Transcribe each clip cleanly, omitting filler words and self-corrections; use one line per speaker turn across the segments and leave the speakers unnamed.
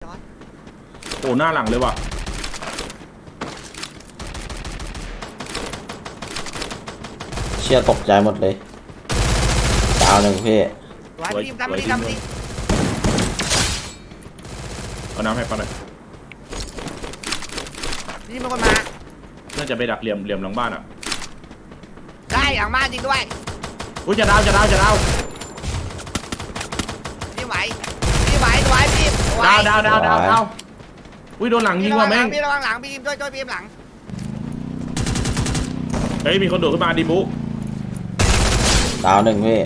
โอ้หน้าหลังเลยว่ะ
เชี่ยตกใจหมดเลยดาวหนึ่งพี่
สวยทำดิเอาน้ำให้ป้าหน่อย
นี่มันคนมา
น่าจะไปดักเหลี่ยมหลังบ้านอ่ะ
ได้หลังบ้านจริงด้วย
อุ้ยจะดาว
พี่ไหวพี่
ดาวอุ้ยโดนหลังยิงว่ะแม่ง
พี่ระวังหลังพี่ช่วยพี่หลัง
เฮ้ยมีคนโดดขึ้นมาดิบุ
ดาวหนึ่งพี่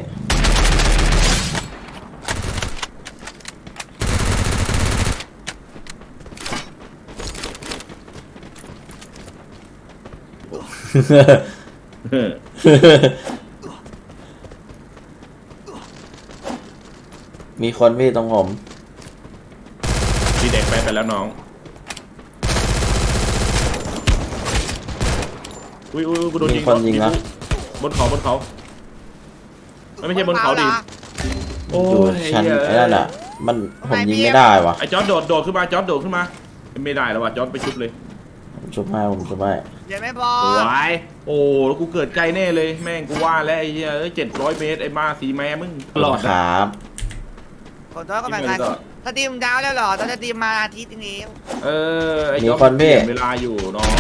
มีคนพี่ตรงผม
พี่เด็กไปแล้วน้องอุ้ยกูโดนยิง
คนยิงนะ
บนเขาไม่ใช่บนเขาดิ
โอ้ยชั้นไอ้นั่นอ่ะมันผมยิงไม่ได้วะ
ไอ้จอร์ดโดดขึ้นมาไม่ได้แล้วว่ะจอร์ดไปชุบเลย
ผมชุบให้
ยังไม่พอ
สวยโอ้แล้วกูเกิดไกลแน่เลยแม่งกูว่าแล้วไอ้เหี้ย700 เมตรไอ้มาสีแม่มึง
หลอดครับ
ขอโทษก็แบบนั้นถ้าทีมดาวแล้วหรอตอนจะทีมมาอาทิตย์นี้
ไอ้จอร์ดเปลี่ยนเวลาอยู่น้อง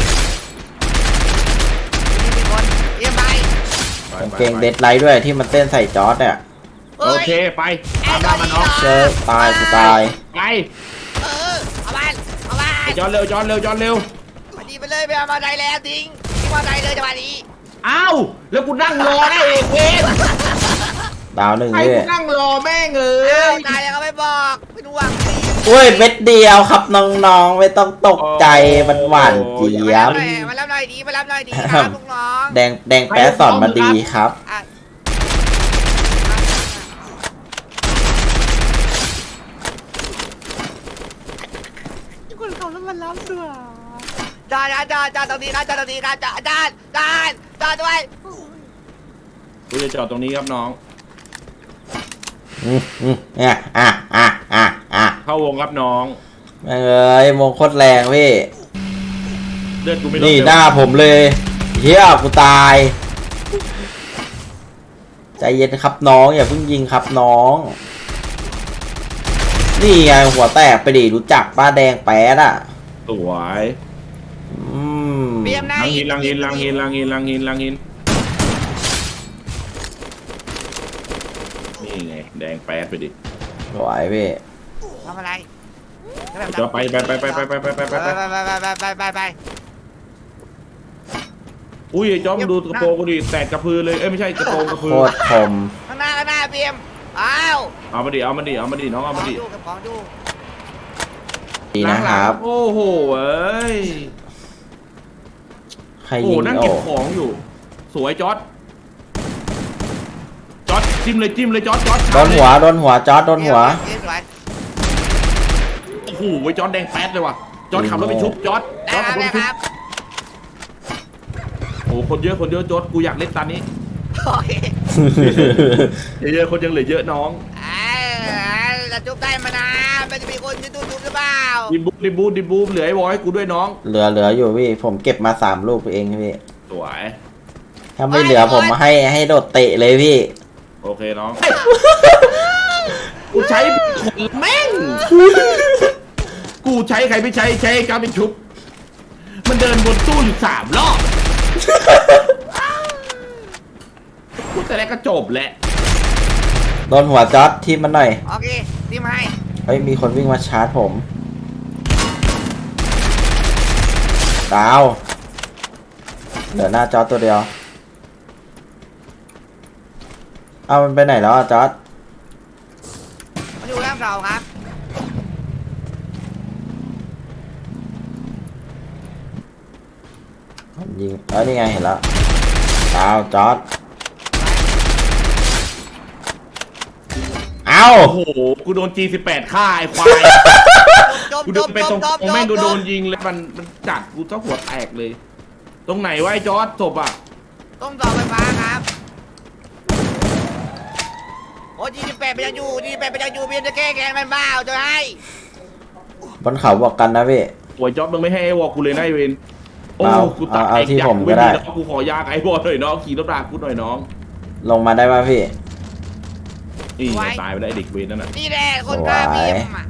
มีคนเยี่ยมไป
เก่งเด็ดไลท์ด้วยที่มันเต้นใส่จอร์ดเนี่ย
โอเคไปตามมาน้อง
เจอตายกูตาย
ไป
เอาบ้าน
ไอ้จอร์ดเร็ว
มาดีไปเลยไปเอามาใจแล้วทิ้งมาใจเลยจังหวะนี้
อ้าวแล้วกูนั่งรอได้เองเอง
ดาวหนึ่ง
เลย
กู
นั่งรอแม่ง
ตายแล้วก็ไม่บอกไม่รู้ว่า
โอ้ยเม็ดเดียวครับน้องๆไม่ต้องตกใจมันหวานเจี๊ยบ
มารับหน่อยดีครับลูกน้อง
แดงแป๊ะสอนมาดีครับ
คนเขาแล้วมันรับด้วยจานตรงนี้ครับจานด้วย
กูจะจอดตรงนี้ครับน้องเข้าวงครับน้อง
เอ้ยมงโคตรแรงพี่
เลือดกูไม่ลด
นี่หน้าผมเลยเฮียกูตายใจเย็นครับน้องอย่าเพิ่งยิงครับน้องนี่ไงหัวแตกไปดิรู้จักป้าแดงแป๊ดอ่ะ
สวยลังหินนี่ไงแดงแป๊ดไปดิ
สวยพี่
ทำอะไร
จะไปอุ้ยจอมดูกระโปรงกูดิแตกกระพือเลยไม่ใช่กระโปรงกระพือ
โคตรคม
ข้างหน้าเบียม
เอามาดิน้องเอามาดิ
ของดู
ดีนะครับ
โอ้โหเอ้ย
ใครยิง
นั่งเก็บของอยู่สวยจอร์ดจิ้มเลยจอร์ด
โดนหัวจอร์ดโดนหัว
โอ้โหจอร์ดแดงแป๊ดเลยว่ะจอร์ดขับรถไปชุบจอร์ดขับรถไปชุบโอ้คนเยอะจอร์ดกูอยากเล่นตอนนี้เยอะคนยังเหลือเยอะน้อง
จะจุบได้มานะมันจะมีคนที่จุบหรือเปล่า
ดิบูเหลือไอ้บอยกูด้วยน้อง
เหลืออยู่พี่ผมเก็บมา3 ลูกเองพี่
สวย
ถ้าไม่เหลือผมมาให้โดดเตะเลยพี่
โอเคน้องกูใช้คนแม่งกูใช้ใครไม่ใช้การเป็นชุบมันเดินบนตู้อยู่3 รอบกูแต่แรกก็จบแหละ
โดนหัวจอร์ดทีมมันหน่อย
โอเคทีมให้
เฮ้ยมีคนวิ่งมาชาร์จผมดาวเหลือหน้าจอร์ดตัวเดียวเอามันไปไหนแล้วจอร์ด
มาอยู่ล่างเราครับ
ยิงนี่ไงเห็นแล้วดาวจอร์ด
โอ้โหกูโดน G18 ฆ่าไอ้ควายกูเดินไปตรงแม่งโดนยิงเลยมันจัดกูเจ้าหัวแตกเลยตรงไหนวะไอ้จอร์ดศพอ่ะ
ต้องต่อไฟฟ้าครับโอ้G18ไปยังอยู่เพียงจะแก้แค้นมันบ้าจะให้
บนเขาบอกกันนะพี่
โอ้ยจ๊อบมึงไม่ให้ไอ้วอลกูเลยนะไอ้เวนโอ้
เอา
กูตาย
เอาที่
อยาก
ผมก็ได้
น้องกูขอยากไอ้วอลหน่อยน้องขี่รถรากูหน่อยน้อง
ลงมาได้ป่ะพี่
นี่ตายไปได้เด็กเวนนั่นน่ะ
นี่แหละคนกล้าพิมพ์อ่ะ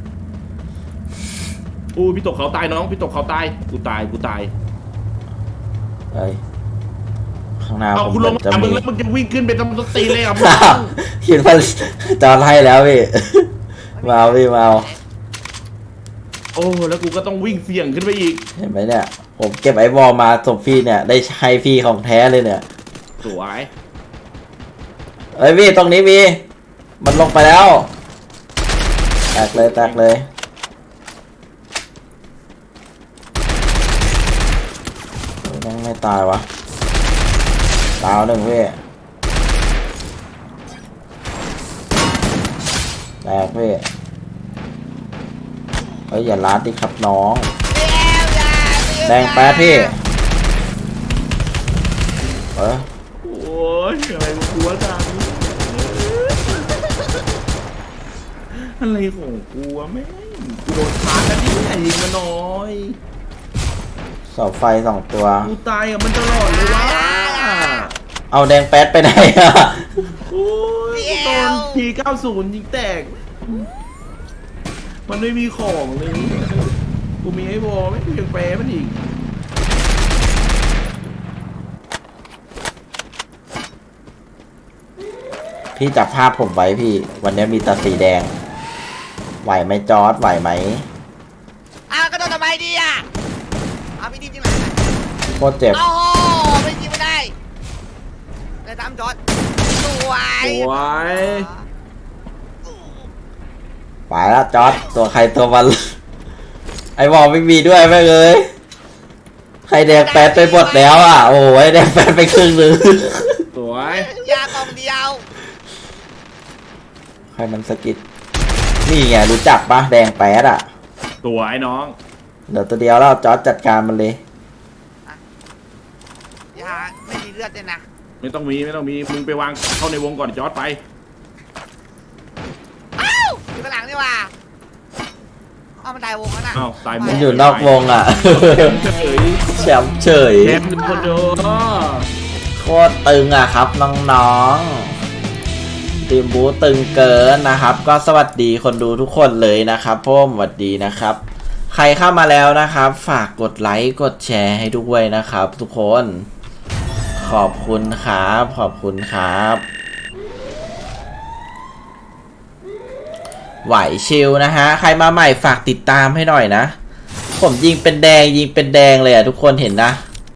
อู้พี่ตกเขาตายน้องพี่ตกเขาตายกูตาย
เอ้ยข้างหน้า
เอา
ผม
กู
เห
ล
มื
ง
อนจะ
มามึ
มี
งแล้วมึงจะวิ่งขึ้นไปทำสตีเลยอ่ะมึง
คิดว่าจอดให้แล้วพี่ มาเอาพี่มาเอา
โอ้แล้วกูก็ต้องวิ่งเสี่ยงขึ้นไปอีก
เห็นไหมเนี่ย ผมเก็บไอ้บอลมาส่งพี่เนี่ย ได้ใช้พี่ของแท้เลยเนี่ย
สวย
เอ้ยพี่ตรงนี้มี มันลงไปแล้วแตกเลยยังไม่ตายวะดาวหนึ่งพี่แตกพี่เฮ้ยอย่าล้าดิครับน้องแดงแป๊ดพี่
โอ้ยอะไรกูกลัวจังอะไรของกูวะแม่งกูโดนชาร์จแล้วนี่ยิงมาหน่อย
เสาไฟ2 ตัว
กูตายกับมันตลอดเลยวะ
เอาแดงแป๊ดไปไหนอะ
โอ้ยโดนที90ยิงแตก มันไม่มีของเลยกูมีไอ้วอลไม่ยังแปรมันอีก
พี่จับภาพผมไว้พี่ วันนี้มีแตาสีแดง ไหวไหมจอร์ดไหวไหม
อ้าวก็โดนทำไมดีอ่ะเอาพี่ดิมจริงไหม
โคตรเจ็บ
โอ้โหไม่ยิงไม่ได้เลยตามจอดสวย
สวย
ไปแล้วจอร์ดตัวใครตัวมัน ไอ้บอลไม่มีด้วยแม่งเลยใครแดงแปดไปหมดแล้วอ่ะ โอ้ยแดงแปดไปครึ่งหนึง
สวย
ยากองเดียว
ใครมันสะกิดนี่ไงรู้จักปะแดงแปดอ่ะ
สวยน้อง
เดี๋ยวตัวเดียวแล้วจอร์ดจัดการมันเลย
ยาไม่มีเลือดเลยนะ
ไม่ต้องมีมึงไปวางเข้าในวงก่อนจอร์ดไป
อ้าวอยู่ข้างหลังนี่ว่าเอามันตายวงแล้วนะ
อ้าวตายหม
มัน
ด
อยู่นอกวงอ่ะ
เฉย
แชมป์เฉย
แชมป์คนเดียว
โคตรตึงอ่ะครับน้องๆทีมบูตึงเกินนะครับ ก็สวัสดีคนดูทุกคนเลยนะครับพ่อสวัสดีนะครับ ใครเข้ามาแล้วนะครับ ฝากกดไลค์กดแชร์ให้ด้วยนะครับ ทุกคนขอบคุณครับขอบคุณครับ ไหวชิลนะฮะใครมาใหม่ฝากติดตามให้หน่อยนะผมยิงเป็นแดงเลยอ่ะทุกคนเห็นนะ